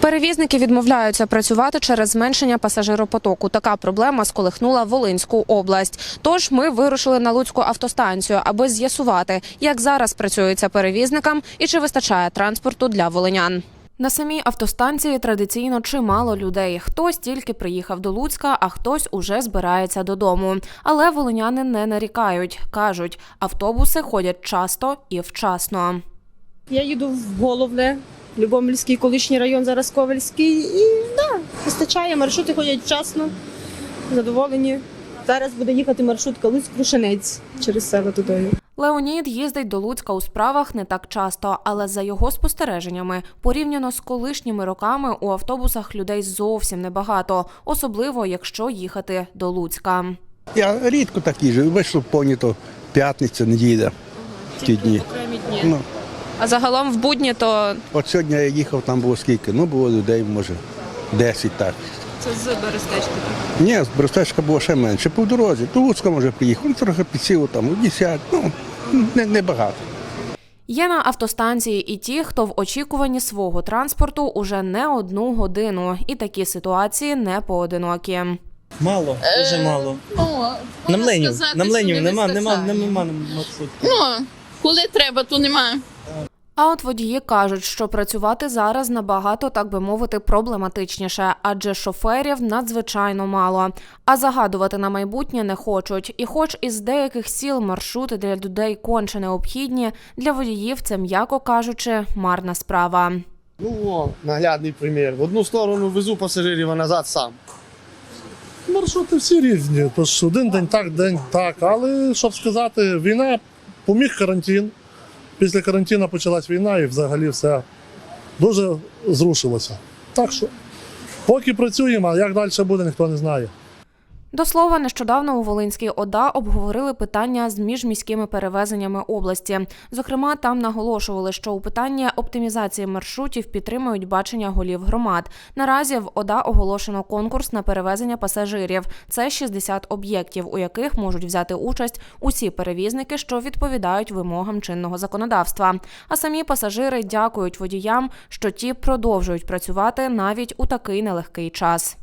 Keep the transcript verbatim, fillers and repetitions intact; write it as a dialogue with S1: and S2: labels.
S1: Перевізники відмовляються працювати через зменшення пасажиропотоку. Така проблема сколихнула Волинську область. Тож ми вирушили на Луцьку автостанцію, аби з'ясувати, як зараз працюється перевізникам і чи вистачає транспорту для волинян. На самій автостанції традиційно чимало людей. Хтось тільки приїхав до Луцька, а хтось уже збирається додому. Але волиняни не нарікають. Кажуть, автобуси ходять часто і вчасно.
S2: Я їду в Головне, Любомльський, колишній район, зараз Ковельський. І да, вистачає, маршрути ходять вчасно, задоволені. Зараз буде їхати маршрутка Луцьк-Крушенець через село туди.
S1: Леонід їздить до Луцька у справах не так часто, але за його спостереженнями, порівняно з колишніми роками, у автобусах людей зовсім небагато, особливо якщо їхати до Луцька.
S3: Я рідко так їжджу, вийшло понято п'ятниця, неділя, в ті дні.
S1: Окремі дні.
S3: Ну,
S1: А загалом в будні то
S3: от сьогодні я їхав, там було скільки? Ну, було людей, може, десять так.
S1: це з Берестечка.
S3: Ні, з Берестечка було ще менше. По дорозі, до Луцька, може, приїхав, ну, трохи підсіло там, десять, ну, не, не багато.
S1: Є на автостанції і ті, хто в очікуванні свого транспорту уже не одну годину. І такі ситуації не поодинокі.
S4: Мало, дуже мало. На мленів, на мленів нема, нема, нема маршрутки.
S5: Ну, коли треба, то немає.
S1: А от водії кажуть, що працювати зараз набагато, так би мовити, проблематичніше, адже шоферів надзвичайно мало. А загадувати на майбутнє не хочуть. І хоч із деяких сіл маршрути для людей конче необхідні, для водіїв це, м'яко кажучи, марна справа.
S6: Ну, о, наглядний примір. В одну сторону везу пасажирів, а назад сам.
S7: Маршрути всі різні, тож один день так, день так. Але, щоб сказати, війна, поміг карантин. Після карантину почалась війна і взагалі все дуже зрушилося. Так що, поки працюємо, а як далі буде, ніхто не знає.
S1: До слова, нещодавно у Волинській ОДА обговорили питання з міжміськими перевезеннями області. Зокрема, там наголошували, що у питанні оптимізації маршрутів підтримують бачення голів громад. Наразі в ОДА оголошено конкурс на перевезення пасажирів. Це шістдесят об'єктів, у яких можуть взяти участь усі перевізники, що відповідають вимогам чинного законодавства. А самі пасажири дякують водіям, що ті продовжують працювати навіть у такий нелегкий час.